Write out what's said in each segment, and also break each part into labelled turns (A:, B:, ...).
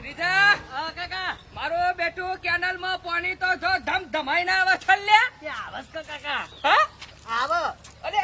A: ભત્રીજા કાકા મારો બેટું કેનલ માં પાણી તો જો ધમ ધમાઈ ના આવે છે લે આવસ કાકા હા આવો અરે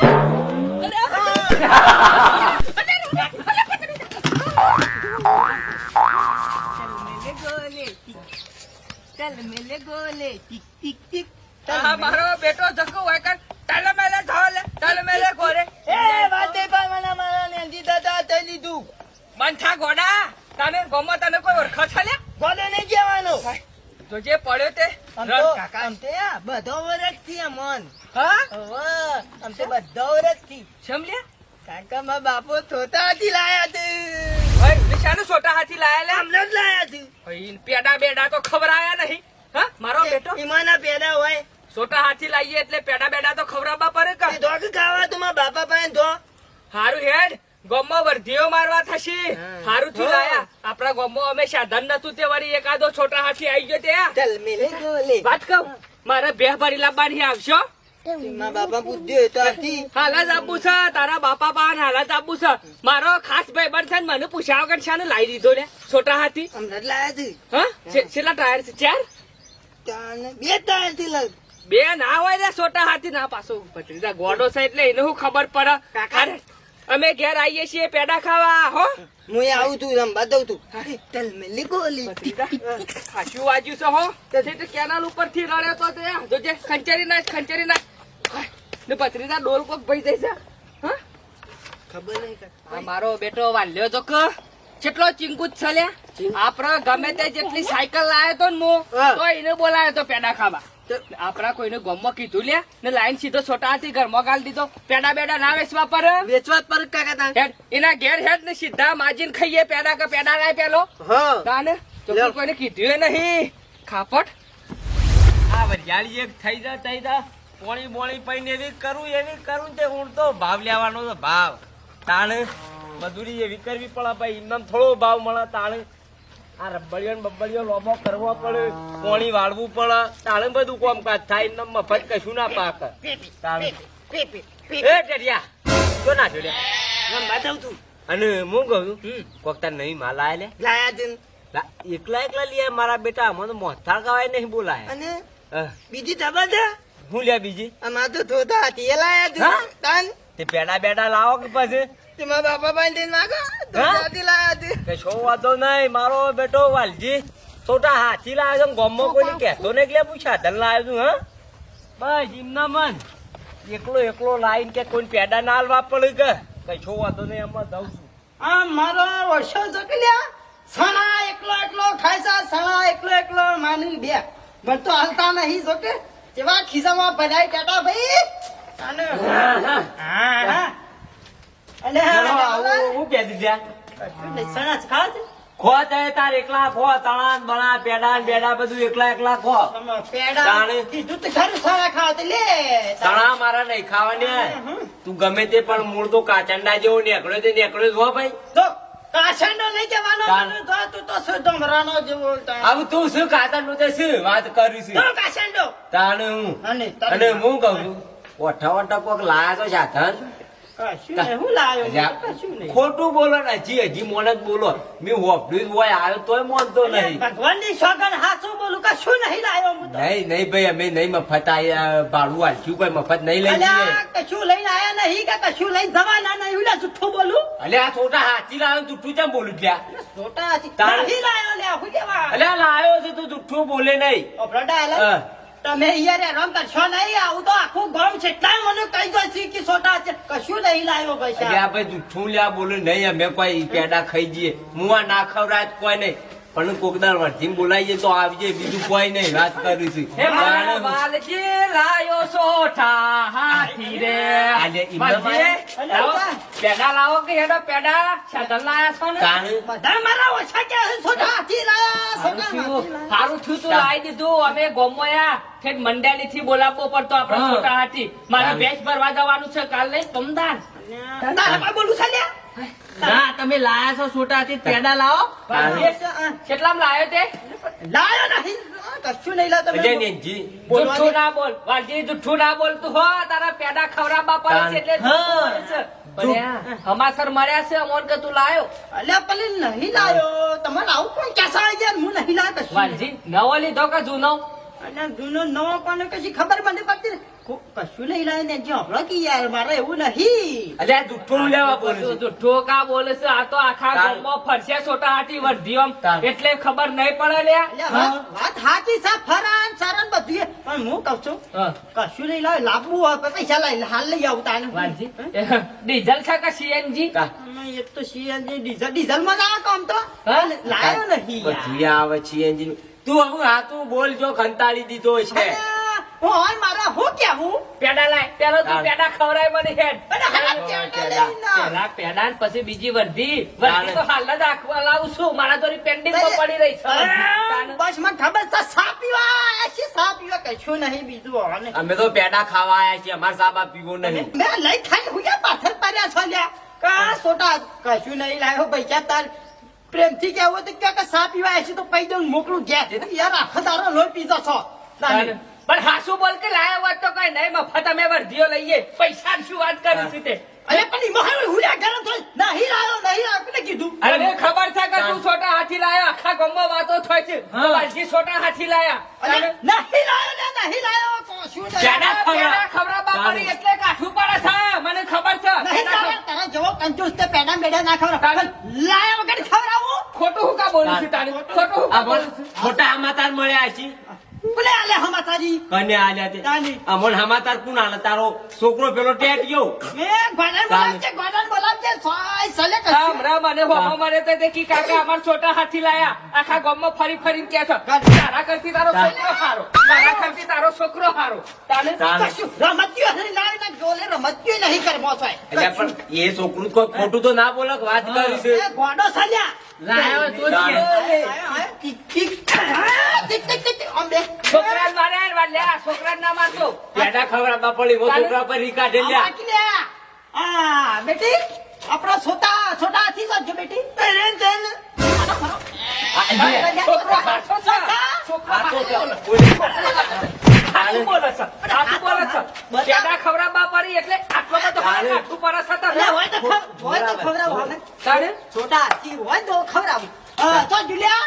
B: चल मेले गोले टिक टिक टिक
A: હા મારો બેટો જકો હોય કર તલ મેલે ઢોલે તલ મેલે ગોરે
B: ए वाते पर मना मारा ने जीता ता થઈ લીધું
A: બંઠા ગોડા તને ગમો તને કોઈ ઓળખો છે લે
B: ગોલે ને જવાનો
A: તો જે પડ્યો તે રન કાકા
B: આમ તે આ બધો વરખ થી મન
A: હા
B: ઓવે આમ તે બધો વરખ થી
A: સમલે
B: કાકા માં બાપો થોતા થી લાયા તે
A: ભાઈ નિશાનું છોટા હાથી લાયા લે
B: અમને જ લાયા છે
A: ભાઈ પેડા બેડા તો ખબર આયા નહીં હા મારો બેટો
B: ઈમાના પેડા હોય
A: છોટા હાથી લાવીએ એટલે પેડા બેડા તો ખવડાવવા પડે
B: તે
A: કે
B: ધોક ખાવા તો માં બાપા પાસે ધો
A: હારું હેડ ગોમમાં વર્ધીઓ મારવા થશે હારું થી લાયા આપણા ગોમમાં અમે સાધન નતું તે વળી એકાદો છોટા હાથી આવી ગયો ત્યાં
B: ચલ મેલે ગોલે
A: વાત કહું મારે બે ભરી લાવવાની આવશો
B: માં બાપા બુદ્ધિ તો આથી
A: હાલ જ આપવું છે તારા બાપા પાન હાલ જ આપવું છે મારો ખાસ ભાઈબંધ છે ને મને પૂછ્યા વગર શાને લાવી દીધો લે છોટા હાથી
B: અમને જ લાયા છે
A: હા કેટલા ટાયર છે ચાર
B: તાને બે તાર થી લગ
A: બે ના હોય ને છોટા હાથી ના પાછો ભત્રીજા ગોડો છે એટલે એને શું ખબર પડે અરે, અમે ઘેર આવીએ છીએ પેડા ખાવા હો
B: હું આવું તું રમવા દઉં તું ચલ મેલે ગોલી
A: ખાસું વાજ્યું છે હો તે કેનાલ ઉપર થી રડ્યો તો તે જો જે ખંચેરી નાખ ને ભત્રીજા ડોલ કોક ભઈ જાય છે હા
B: ખબર નહીં
A: આ મારો બેટો વાલ્યો તો કે કેટલો ચિંકુત છે લે આપડે ગમે તે જેટલી સાયકલ લાયો તો ને મો
B: હા.
A: તો એને બોલાયો તો પેડા ખાવા આપડા કોઈને ગમમાં કીધું લે ને લાઈન સીધો છોટા હાથી ઘરમાં ગાલ દીધો પેડા બેડા ના વેચવા પર
B: વેચવા પર કાકા તા
A: હેડ એના ઘેર હેડ ને સીધા માજીને ખાઈએ પેડા કે પેડા લાય પેલો
B: હા
A: તાને તો
B: લ્યો.
A: કોઈને કીધું નહીં ખાપટ
C: આ વરિયાળી એક થઈ જા પોણી બોણી પૈને એવી કરું તે હું તો ભાવ લેવાનો તો ભાવ તાણ મજૂરી એવી કરવી પડે ભાઈ એમનામ થોડો ભાવ મળે તાણ આ રબડીઓ ને બબડીઓ લોબો કરવો પડે પોણી વાળવું પડે તાણે બધું કામકાજ થાય એમનામ મફત કશું ના પાક તાણ એ ટેડિયા તો ના જોડે
B: રમવા દઉં તું
C: અને હું કહું કોક તાર નહીં માલ આયા લે
B: લાયા છે
C: એકલા લે મારા બેટા મને મોથાળ કવાય નહીં બોલાય
B: અને બીજી ખબર છે
C: હું લે બીજી
B: આમાં તો થોતા હતી એ લાયા છે
C: હા?
B: તાન
C: તે પેડા બેડા લાવો કે પછી
B: તેમાં બાપા પાસે જઈને માગો થોતાથી લાયા છે
C: કે શો વાંધો નહીં મારો બેટો વાલજી છોટા હાથી લાવ્યો છે ગોમમાં કોઈ કહેતો ને એટલે હું સાધન લાવ્યો છું હા બસ એમના મન એકલો લાઈન કે કોઈ પેડા ના હાલવા પડે કે કઈ શો વાંધો નહીં એમાં દઉં છું
B: આ મારો વર્ષો જકલ્યા સણા એકલો ખાય છે સણા એકલો માની બે મને તો હાલતા નહીં જોકે જેવા ખિસ્સામાં ભરાય ટાટા ભાઈ અને હા અને
C: હું કહી દીધા
B: સણા ખાવ છે
C: ખો તાર એકલા ખો તણા બણા પેડા ને બેડા બધું એકલા ખો
B: પેડા
C: તાણે.
B: કીધું તો ખરું સણા ખાવ તે લે
C: તણા મારા નહીં ખાવાની તું ગમે તે પણ મૂળ તો કાચંડા જેવો નીકળ્યો તે નીકળ્યો જ હો ભાઈ
B: તો કાશંડો નહીં જવાનો
C: તાણ.
B: તો તું તો સુધો મરાનો જેવો
C: આવું તું શું ખાતા નું તે શું વાત કરી
B: તો
C: છે
B: કાશંડો
C: તાણે હું
B: અને
C: અને હું કઉ છું ઓઠા કોક લાયા તો સાધન
B: કશું નહીં હું લાયો કશું નહીં
C: ખોટું બોલો ને હજી મોન જ બોલો મેં હોપડ્યું હોય આવ્યો તોય મોનતો નહીં
B: ભગવાનની સોગન હાચું બોલું કશું નહીં લાયો હું તો
C: નહીં ભાઈ અમે નહીં મફત આયા ભાડું હાલશું કોઈ મફત નહીં લઈ જઈએ
B: અલ્યા કશું લઈને આયા નહીં કે કશું લઈને જવાના નહીં ઉલા જુઠ્ઠું બોલું
C: અલે આ છોટા હાથી લાવ્યો જુઠ્ઠું કેમ બોલું ત્યાં
B: છોટા હતી
C: તાણ.
B: નહીં લાયો લે હું કેવા
C: અલે આ લાવ્યો છે તું જુઠ્ઠું બોલે નહીં
B: ઓપરડા
C: હા.
B: આલા તમે યાર રંગ કરશો નહીં આવું તો આખું ગામ છે એટલા મને કહી દો છે કે છોટા છે કશું નહીં લાયો
C: અલે
B: પૈસા
C: આ ભાઈ જુઠ્ઠું લ્યા બોલે નહીં અમે કોઈ પેડા ખાઈ જઈએ હું આ ના ખવડાય જ કોઈ નહીં પણ કોકદાર વર્ધી બોલાવીએ તો આવજે બીજું કોઈ નહીં વાત કરીશું
A: હે મારા વાલજી લાયો સોઠા હાથી રે
C: આજે ઈમના
A: વાલજી, લાવો, પેડા લાવો કે હેડો પેડા સાધન લાયા છો ને
C: તાણે
B: બધા મારા ઓછા કે છોટા હાથી લાયા છોટા હાથી લાયા.
A: સારું થયું તું લાવી દીધું અમે ગોમોયા ઠેક મંડાલી થી બોલાવવો પડતો આપડે
C: હા.
A: છોટા હાથી મારે ભેંસ ભરવા જવાનું છે કાલ નહીં કમદાર
B: તારા પાસે બોલું છે લ્યા
A: ના તમે લાયા છો છોટા હાથી પેડા લાવો કેટલામાં લાયો તે
B: લાયો નહીં કશું નહીં લાયો
C: અજય
B: તમે
C: નેનજી
A: જુઠ્ઠું ના બોલ વાલજી જુઠ્ઠું ના બોલ તું હો તારા પેડા ખવડાવવા પડે છે એટલે જુઠ્ઠું બોલે છે. પણ હમાસર મળ્યા છે અમોન કે તું લાયો
B: અલ્યા પેલી નહીં લાયો તમારે આવું કોણ કેસા આવી ગયા હું નહીં લાયો કશું
A: વાલજી નવો લીધો કે જૂનો
B: અને જૂનો નવો કોને કશી ખબર મને પડતી ને. કશું નહીં લાયો ને જે હમણાં કી યાર મારે એવું નહીં
C: અલ્યા જુઠ્ઠું લેવા બોલે છે.
A: જુઠ્ઠો કા બોલે છે આ તો આખા
C: તાર-
A: ગામમાં ફરશે છોટા હાથી વર્ધીઓમ
C: તાર-
A: એટલે ખબર નહીં પડે લ્યા
B: અલ્યા વાત સાચી છે ફરાન સારન બધું પણ હું કહું છું
A: હા.
B: કશું નહીં લાવે લાવવું હોય તો પૈસા લાવી હાલ લઈ આવું તાને
A: વાલજી ડીઝલ છે કે સીએનજી
C: તા.
B: એક તો સીએનજી ડીઝલ માં ના કામ તો
A: હા?
B: લાયો નહીં યાર.
C: બધું આવે છે engine. તું હવે આ તું બોલ જો કંટાળી દીધો છે
B: અલ્યા, હું હાલ મારા હું કેવું
A: પેડા લાય પેલો તું
C: તાર-
A: પેડા ખવડાય મને હેડ
B: અરે હા, પેડા લઈને આવ.
A: પેલા પેડા ને પછી બીજી વર્ધી વર્ધી તો હાલ જ આખવા લાવું છું મારા તો પેન્ડિંગ માં પડી રહી છે
B: અરે, બસ મને ખબર છે સા પીવા આયા છીએ, સા પીવા કશું નહીં બીજું હવે.
C: અમે તો પેડા ખાવા આયા છીએ અમારે સાબા પીવો નહીં
B: મેં લઈ ખાઈને હું ક્યાં પાછળ પડ્યા છો લ્યા કા સોટા કશું નહીં લાવ્યો પૈસા તાર પ્રેમથી કહેવું તો કે સા પીવા આયા છીએ તો પૈ દઉં મોકલું ઘેર યાર આખો દારો લોહી પીધો છો તાને.
A: પણ હાસુ બોલ કે લાયા વાત તો કઈ નહીં મફત અમે વર્ધીઓ લઈએ પૈસા શું વાત કરી છે તે
B: અરે પણ ઈ મહાન હુલ્યા ગરમ થઈ નહીં લાવ્યો કોને કીધું
A: અરે ખબર છે કે તું છોટા હાથી લાયો આખા ગામમાં વાતો થાય છે તો વાલજી છોટા હાથી લાયા
B: અરે નહીં લાવ્યો ને નહીં લાવ્યો કશું નહીં
A: પેડા ખવડાવવા પડી એટલે કાઠું પડે છે મને ખબર છે
B: નહીં તારા તારા જેવો કંજૂસ તે પેડા મેડા ના ખવડાવ
A: તારે-
B: લાયા વગર ખવડાવું
A: ખોટું હું કા બોલું છું તારે ખોટું હું કા
C: આ
A: બોલું
C: બોલ
A: છું
C: મોટા હમાતાર મળ્યા છે
B: બોલે આલે હમાસાજી
C: કને આલ્યા તે
B: તાની.
C: અમોન હમાતાર કોણ આલે તારો છોકરો પેલો ટેટ ગયો
B: એ ગોડાન બોલાવજે સોય સલે કશું
A: હમણાં મને હોમો મારે તો તે કી કાકા અમાર છોટા હાથી લાયા આખા ગામમાં ફરી ફરીને કે છે તારા કરતી તારો છોકરો હારો તારા કરતી તારો છોકરો હારો તાને
C: તાને.
B: કશું રમત્યું હરી લાવી ના ગોલે રમત્યું નહીં કરમો સોય
C: એટલે પણ એ છોકરું કોઈ ખોટું તો ના બોલે કે વાત કરી છે
B: એ ગોડો સલ્યા
A: લાયો તો જ કે. છોકરાને મારે વાલ્યા છોકરાને ના મારતો
C: પેડા ખવડાવવા પડી વો છોકરા પર રી કાઢે લ્યા
B: આ બેટી આપણો છોટા હાથી જો બેટી
A: છોકરો હાથો છે છોકરો
C: આ તો
A: હાથો.
C: હાલે.
A: હાથું બોલે છે હાથું બોલે છે પેડા ખવડાવવા પડી એટલે આટલો બધો
C: હાલે.
A: હાથું પડે છે
B: એટલે
A: તને.
B: હોય તો ખવડાવું હવે
A: તારે
B: છોટા હાથી હોય તો ખવડાવું તો જુલિયા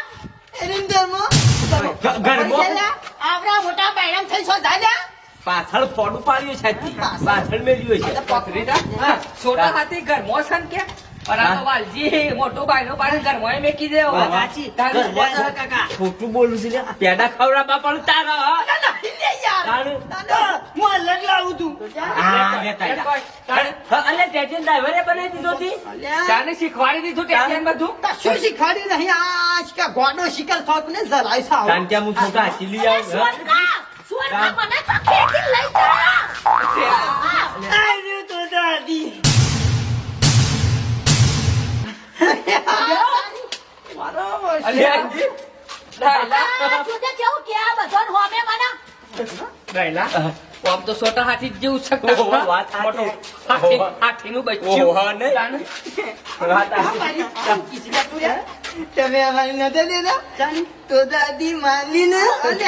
C: ઘરમાં
B: આવડા મોટા બહેરામ થઈ છો ધાલ્યા
C: પાછળ ફોડું પાડ્યું છે પાછળ મેલ્યું છે
A: પકડીતા હા, છોટા હાથી ઘરમાં છે ને કે પણ આ તો વાલજી મોટો ભાઈનો પાડી ઘરમાં મેકી દેવો
B: સાચી.
A: તારે
B: કાકા
C: ખોટું બોલું છે લ્યા. પેડા ખવડાવવા પણ તારા
B: નહીં લે યાર
C: તારું.
B: દાદા, હું અલગ લાવું છું
C: હા, લેતા
A: એ
C: જા.
A: કોઈ, તારે
C: અલે ટેટેન ડ્રાઈવરે બનાવી દીધો તી
B: અલ્યા,
A: તારે શીખવાડી દીધું ટેન્શન બધું
B: કશું શીખવાડ્યું નહીં આ કે ગોડો શિકાર થોક ને જરાય સાવ
C: કારણ કે હું છોટા હાથી લઈ આવું
B: આવ્યું તો દાદી બરાબર
A: અલ્યા,
B: છે.
A: રહેલા. આમ તો છોટા હાથી જ જેવું છે
C: ઓહો, વાત સાચી.
A: મોટો હાથીનું બચ્ચું
C: ઓહો, નહીં.
A: તાને.
C: વાત આ.
B: તમે અમારી નજર દેતા તો દાદી માની ને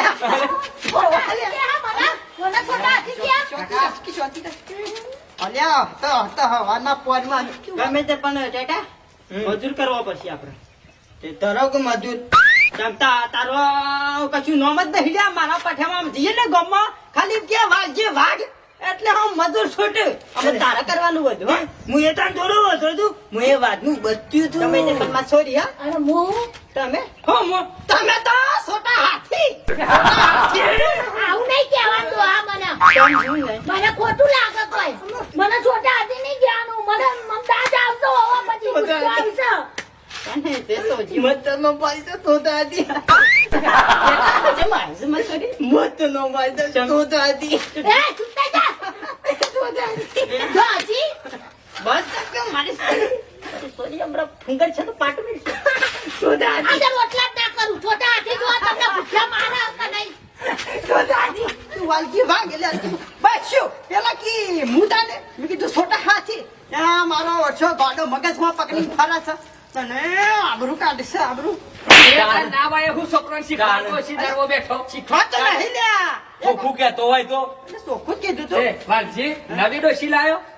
B: અલ્યા તો હવાના પોરમાં ગમે તે પણ ટેટા મજૂર કરવો પડશે આપણે તે તરો કે મજૂર જમતા તારો કશું નોમ જ નહીં લ્યા મારા પઠામાં જઈએ ને ગામમાં ખાલી કે વાગજે વાગ એટલે હું મજૂર છોટું અમે તારા કરવાનું બધું હો. હું એ તાર થોડું હતો તું હું એ વાતનું બધું તું તમે તે છોરી હા તમે હો મો તમે તો છોટા હાથી
D: આવું નહીં કહેવાતું આ મને મને ખોટું લાગે કોઈ મને છોટા હાથી નહીં કહેવાનું મને મમતા જ આવતો હોવા પછી ગુસ્સો આવશે
B: અને તે તો જીવતનો પાઈ તો દાદી જે માણસ માં છોરી મત નો પાઈ તો દાદી
D: એ ચૂપતા જા
B: તો દાદી
D: જો હજી
B: બસ કે મારી સોરી હમણાં ફુંગર છે તો પાટું તો દાદી
D: આજે રોટલા જ ના કરું છોટા હાથી જો તમને ભૂખ્યા મારે આવતા નહીં
B: તો દાદી તું વાલકી ભાગ એટલે બસ શું પેલા કી મુદાને મેં કીધું છોટા હાથી ત્યાં મારો ઓછો ગાડો મગજમાં પકડી ફરા છે તને આબરૂ કાઢશે આબરૂ
A: ના ભાઈ હું છોકરાને શીખવાડતો હશે તારો બેઠો
B: શીખવા તો નહીં લ્યા
C: ચોખ્ખું કહેતો હોય તો
B: એટલે ચોખ્ખું જ કીધું
A: એ,
B: તું
A: વાલજી નવી ડોશી લાયો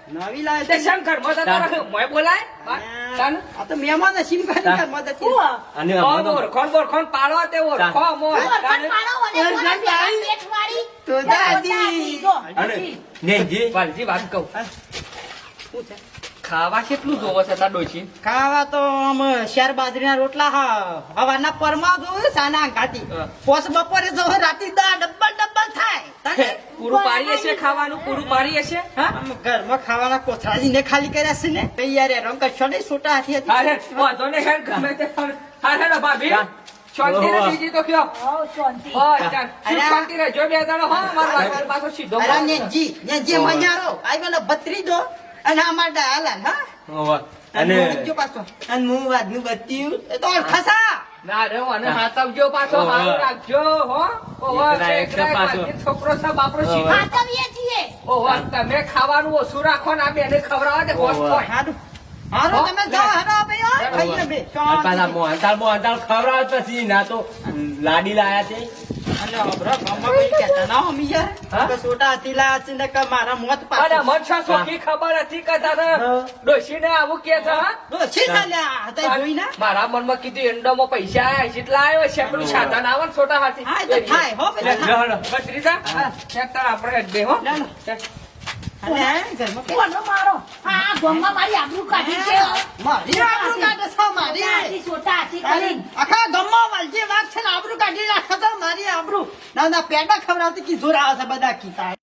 B: નવી લાવે
A: તે
B: છે.
A: શેમ ઘરમાં તો તારા મોય બોલાય તાન
B: આ તો મહેમાન છે, શીમ ખાલી ઘરમાં જતી રહે.
D: ઉવા.
C: અને
A: ઓળખણ બોળખણ પાડો તે ઓળખો મો
D: ઓળખાણ પાડો અને
B: ઓળખાણ
D: કોણ
B: પાડી.
D: પેટ મારી?
B: તો દાદી.
D: જો,
C: અને
D: હજી.
C: નેજી
A: વાલજી વાત કહું
B: શું છે?
A: ખાવા કેટલું જોવો છે તાર ડોશી
B: ખાવા તો આમ શેર બાજરીના રોટલા હવાના પરમાં જોયું સાના ઘાટી
A: હા.
B: પોસ બપોરે જો રાતી ડબ્બલ થાય તાને
A: પૂરું પાડી હશે ખાવાનું પૂરું પાડી હશે હા
B: આમ ઘરમાં ખાવાના કોથળાજીને ખાલી કર્યા છે ને તૈયાર રંગ કશો નહીં છોટા હાથી
A: અરે
B: હતી
A: વાંધો નહીં હેડ ગમે તે હારે ને ભાભી શાંતિ ને બીજી તો કયો
D: હઉ, શાંતિ.
A: હા ચાલ
B: અરે.
A: શાંતિ રહેજો બે દાડો હા મારા પાછો સીધો
B: અરે નેજી મજારો આઈ પેલો ભત્રીજો અને અમાર હાલાન હા
C: અને
B: જો પાછો અને હું વાદનું બત્યું એ તો ખસા
A: ના રે અને હાથવજો પાછો
C: ઓહો.
A: હારું રાખજો હો ઓહો
C: એકરા એક
A: એકરા
C: પાછો.
A: પાછી છોકરો છે બાપરો
C: ઓહો.
A: સીધો
D: ખાતવીએ છીએ.
A: ઓહો તમે ખાવાનું ઓછું રાખો ને આ બેને ખવડાવો તે હોશ
C: ઓહો.
A: હોય
B: હારું હારું તમે જાઓ હેડો ભાઈ હા ખાઈને બે
C: પાછા મોહનતાળ ખવડાવ પછી ના તો લાડી લાયા છે
B: અને અબરા ગામમાં કોઈ કહેતા ના હો મી યાર
A: હા?
B: કે છોટા હાથીલા છે ને કે મારા મોત
A: અને
B: પાછું
A: મન છે સોખી ખબર હતી કે તારે
B: હા.
A: ડોશીને આવું કે છે હા
B: ડોશી ચાલ્યા હતા જોઈ ના
A: મારા મનમાં કીધું એંડોમાં પૈસા આયા છે એટલે આવ્યો છે પેલું સાધન આવે ને છોટા હાથી
B: હા, એ તો થાય, હો, પેલા
A: લે,
B: થાય.
A: લે, ભત્રીજા, એક તાર આપણે બે હો
B: ના, ના. અને ઘરમાં કે-
D: કોનો મારો? આ ગોમમાં મારી આબરૂ કાઢી છે.
B: મારી આબરૂ કાઢે છે, મારી.
D: આજી સોટા હાથી
B: તારી
D: કરીને.
B: આખા ગામમાં વાલજી વાત છે ને આબરૂ કાઢી રાખે તો મારી આબરૂ ના ના પેડા ખવડાવતી કી જોર આવે છે બધા કીતા